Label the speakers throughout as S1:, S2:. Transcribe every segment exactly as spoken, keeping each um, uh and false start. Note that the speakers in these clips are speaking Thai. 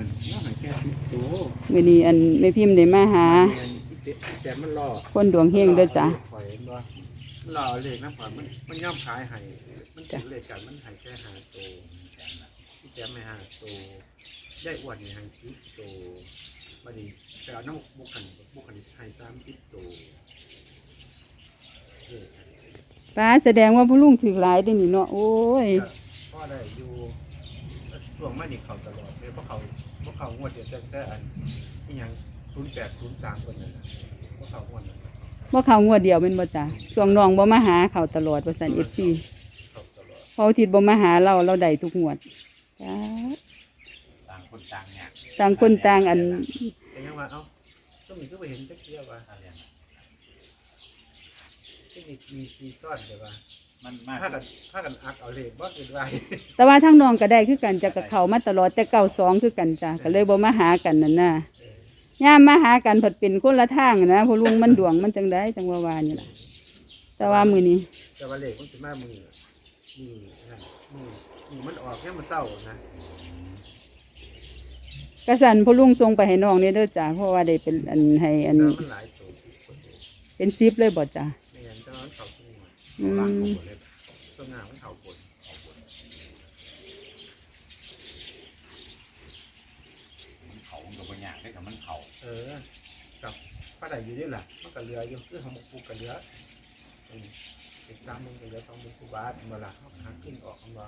S1: แล้วหายแค่สิบตัว
S2: มื้อนี้อันแม่พิมพ์ได้มาหา
S1: แต่มันรอ
S2: คนดวงเฮงเด้อจ้ะ
S1: มันรอเลขนะผ่อนมันมันย่อมขายให้มันถือเลขกันมันหายแค่หาตัวที่แจมไม่หาตัวได้อวดนี่หายสิบตัวบัดนี้แต่เอาน้ำบุกขันบุกขันหายสามสิบตัว
S2: ป้าแสดงว่าพ่อลุงถือหลายได้นี่เนาะโอ้ย
S1: พ่อได้อยู่ช่วงมานี่เขาตลอดเลยเพราะเขาเพราะเขางวดเดียวแต่แต่อันนี่ยังศูนย์แปดศูนย์สามคนนั่นนะเพราะเขางวดนั้น
S2: บ่เข้างวดเดียวแม่นบ่จ้ะช่วงน้องบ่มาหาเขาตลอดว่าซั่น เอฟ ซี พอทิศบ่มาหาเราเราได้ทุกงวดจ้า
S3: ต่างคนต่างเนี่ย
S2: ต่างคนต่างอัน
S1: แต่ยังว่าเอ้าต้องมีก็ไปเห็นจักเที่ยวว่าที่มีมีซีซ่อนใช่ป่ะ
S3: มันมาก
S1: ถ้ากันถ้ากันอักเอาเลขบ่คือไร
S2: แต่ว่าทั้งน้องก็ได้คือกันจะกับเขามาตลอดแต่เก้าสองคือกันจ้ะก็เลยบ่มาหากันนั่นน่ะย่ามมาหากันผัดเป็นคนละทางนะพอลุงมันดวงมันจังได้จังว่าวานี่ล่ะแต่ว่ามื้อนี้
S1: แต่ว่าเลขมันสิมามือมือนะมือมือมันออกแค่มันเศร้านะ
S2: กระสันพอลุงส่งไปให้น้องนี่เด้อจ้ะเพราะว่าได้เป็นอันให้อัน
S1: มันหลายตัว
S2: เป็นซิปเลยบ่จ้ะ
S1: ไม่งั้นจะมันเข่าตัวอืมตัวงามันเข่าปวด
S3: มันเข่ากับปัญญาได้กับมันเข่า
S1: เออกับป้าได้อยู่นี่แหละมันกับเรืออยู่คือของปูกับเรืออีกสามมึงกับเรือสองมึงกูบาสมาละหาขึ้นออกคำว่า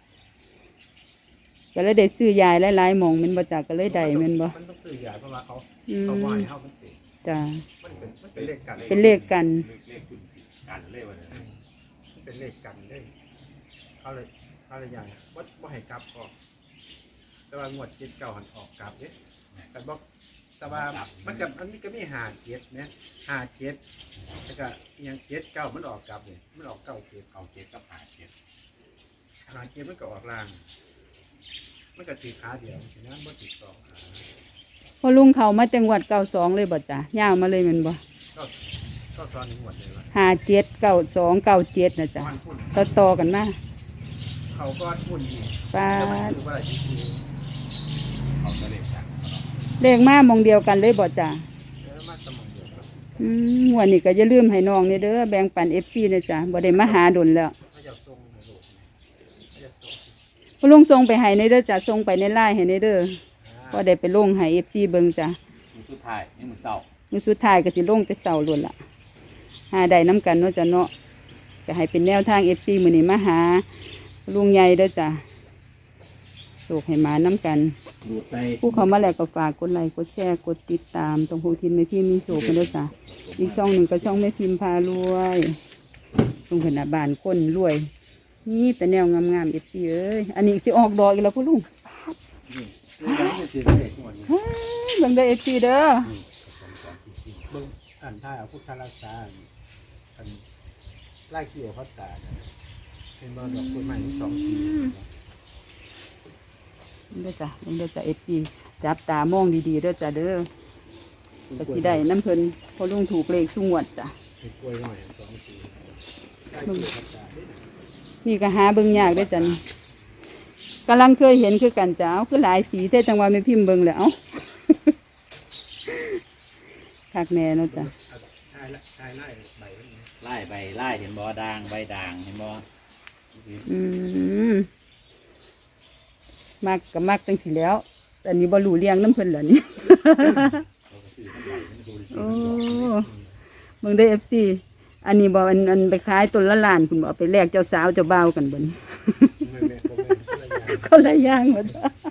S2: ก็เลยได้ซื้อยายหลายๆหม่องแม่นบ่จ้ะก็เลยได้แม่นบ่
S1: มันต้องซื้อยายเพราะว่าเขาเขาไหวเขามันติด
S2: จ้ะ
S1: มันเป็นมันเป็นเลขกัน
S2: เป็นเลขกัน
S3: เลขคุณกันเลขว่าเนี่ย
S1: มันเป็นเลขกันเลยเขาเลยเขาเลยอย่างว่าว่าให้กลับออกแต่ว่างวดเจ็ดเก้าหันออกกลับเนี่ยแต่บอกแต่ว่ามันกับอันนี้ก็มีหาเจ็ดเนี่ยหาเจ็ดแล้วก็ยังเจ็ดเก้ามันออกกลับเนี่ยมันออกเก้าเจ็ด
S3: เก้าเจ็ดกับหาเจ็ด
S1: หาเจ็ดมันก็ออกล่างมันก็ติดขาเดียวฉะนั้นมันติดสองขา
S2: พอลุงเขามาจังหวัดเก้าสองเลยบ่จ้ะย่าวมาเลยแม่นบ่
S1: ก็ก็ตอนนี้หมดเลย
S2: ห้าเจ็ดเก้าสองเก้าเจ็ดนะจ๊ะต่อต่อกันมา
S1: เขาก็พุ่น
S2: ป้า
S3: เขาจะเลขกัน
S2: เลขมามองเดียวกันเลยบ่จ้ะอืมวันนี้ก็อย่าลืมให้น้องนี่เด้อแบ่งปัน เอฟ ซี นะจ๊ะบ่ได้มาหาดนแล้วพอลุงส่งไปให้ในเด้อจ้ะส่งไปในไลน์ให้ในเด้อก็ได้ไปลงให้ เอฟ ซี เบิ่งจ้ะ
S3: มื้อสุดท้ายนี่มื้อเช้า
S2: มื้อสุดท้ายก็สิลงแต่เช้าล้วนล่ะหาได้น้ำกันเนาะจ้ะเนาะก็ให้เป็นแนวทาง เอฟ ซี มื้อนี้มาหาลุงใหญ่เด้อจ้ะโศกให้มาน้ำกันผู้เขามาแล้วก็ฝากกดไลค์กดแชร์กดติดตามตรงภูทินแม่พิมพ์มีโศกกันเด้อจ้ะอีกช่องหนึ่งก็ช่องแม่พิมพ์พารวยตรงขนาดบ้านคนรวยนี่แต่แนวงามๆเอฟซีเอ้ยอันนี้จะออกดอกอีกแล้วพ่อลุงเบิ่งได้เอฟซีเด้อ
S1: เบิ่งอ่านท่าเอาพุทธรักษาอันไล่ขี้เอาพัดตาเป็นบอลดอกต้นไม้ทั้งสองสี
S2: เด้อจ้ะเด้อจ้ะเอฟซีจับตามองดีๆเด้อจ้ะเด้อก็สิได้น้ำเพลินพ่อลุงถูกเลขสุงวดจ้ะ
S1: กล้วยหน่อยสองสี
S2: นี่ก็หาเบิ่งยากได้จันกำลังเคยเห็นคือกันจ้าคือหลายสีแต่จังหวะไม่พิมพ์เบิ่งแล้วคักแน่เนาะจ้ะ
S3: ไล่ใบไล่เห็นบ่ด่างใบด่างเห็นบ่
S2: อืมมักกับมักจังสิแล้วแต่นี้บ่รู้เลี้ยงน้ำเพิ่นเหรอนี่โอ้เบิ่งได้เอฟซีอันนี้บอกอันอันไปขายต้นละล้านคุณบอกไปแลกเจ้าสาวเจ้าบ่าวกันบ่นี่คนละอย่างหมด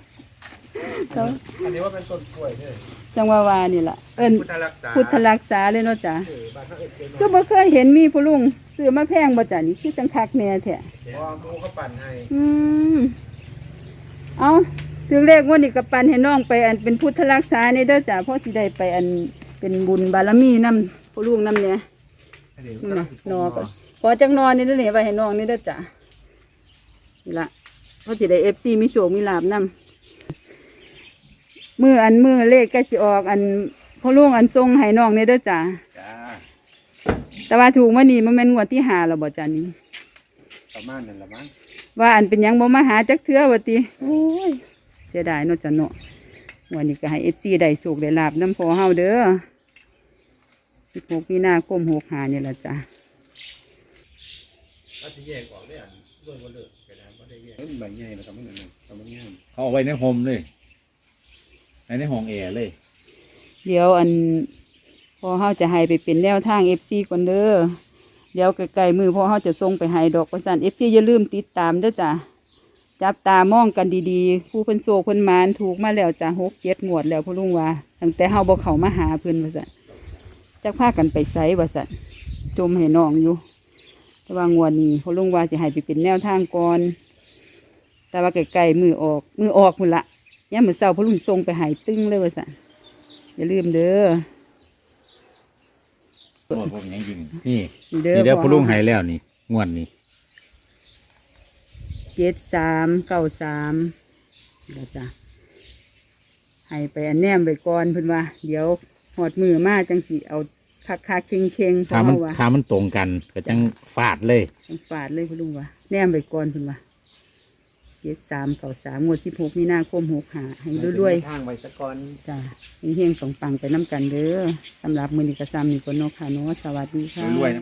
S1: อันนี้ว่าเป็นต้นกล้วยเนี่ย
S2: จังหวะวานี่ล่ะเอิ้นพุทธรักษาเลยเนาะจ้ะก็บ่เคยเห็นมีผู้ลุงซื้อมาแพงบ่จ้ะนี่คือจังคักแน่แท้
S1: อ๋อมูเขาปั่นให้
S2: อืมเอาถึงเลขว่านี่ก็ปั่นให้น้องไปอันเป็นพุทธรักษานี่เด้อจ้ะเพราะสิได้ไปอันเป็นบุญบารมีนำผู้ลุงนำเนี่ยนี่นะนอก่อนขอจังนอนนี่เด้อนี่ไปให้น้องนี่เด้อจ้ะนี่ละเพราะสิได้เอฟซีมีโชคมีลาภนำมืออันมือเลขใกล้สิออกอันพ่อลุงอันทรงให้น้องนี่เด้อจ้ะแต่ว่าถูกมานี่มันเป็นงวดที่หาแล้วบ่จ้ะนี่
S1: ประมาณนั้นละมั้ง
S2: ว่าอันเป็นยังบ่มาหาจักเทื่อว่าติโอ้ยเสียดายเนาะจ้ะเนาะวันนี้ก็ให้เอฟซีได้โชคได้ลาบน้ำพอเฮาเด้อสิบหกมีนาคมหกหาเนี่ยละจ้ะ
S1: ถ้าจะแยกออกได้อันด้วยบ่เลิกก็ได้บ่ได้แยกมันใบใหญ่แล้วก็มันนั่นก็มันงาม
S3: เขาเอาไว้ในโฮมเลยในในห้องแอร์เลย
S2: เดี๋ยวอันพอเฮาจะให้ไปเป็นแนวทางเอฟซีก่อนเด้อเดี๋ยวไกลๆมือพอเฮาจะส่งไปให้ดอกประสานเอฟซีอย่าลืมติดตามเด้อจ้ะจับตามองกันดีๆผู้เพิ่นโศกเพิ่นหมานถูกมาแล้วจ้ะหกเจ็ดงวดแล้วพ่อลุงว่าตั้งแต่เฮาบ่เข้ามาหาเพิ่นว่าซั่นจักพากันไปไสว่าซั่นจมให้น้องอยู่แต่ว่างวดนี้พ่อลุงว่าจะให้ไปเป็นแนวทางก่อนแต่ว่าไกลๆมือออกมือออกพุ่นละยามมื้อเช้าพ่อลุงส่งไปให้ตึ้งเลยว่าซั่นอย่าลืมเด้อ
S3: โอ้ผมยังยิงนี่
S2: เด้อ
S3: นี่เดี๋ยว
S2: พ่อ
S3: พ่อลุงให้แล้วนี่งวดนี้
S2: เจ็ดสามเก้าสามเดี๋ยวจ้ะให้ไปอันแนมไปก่อนเพิ่นว่า เดี๋ยวหอดมือมาจังสิเอาคักคักๆเค็งเค็งๆเพ
S3: ขา
S2: ราะ
S3: มัน
S2: ว่า
S3: ขามันตรงกันก็จังฟาดเลย
S2: ต้องฝาดเลยคุณลุงว่าแนมไปก่อนเพิ่นว่าเจ็ดสามเก้าสามงวดสิบหกมีนาคมหกหาให้รวย
S1: ทางไว้ซะก่อน
S2: ๆจ้ะเฮงๆปังๆไปน้ำกันเด้อสำหรับมือนิกระซามนี่ก็นกค่ะเนาะสวัสดีค่ะ
S3: รวยๆ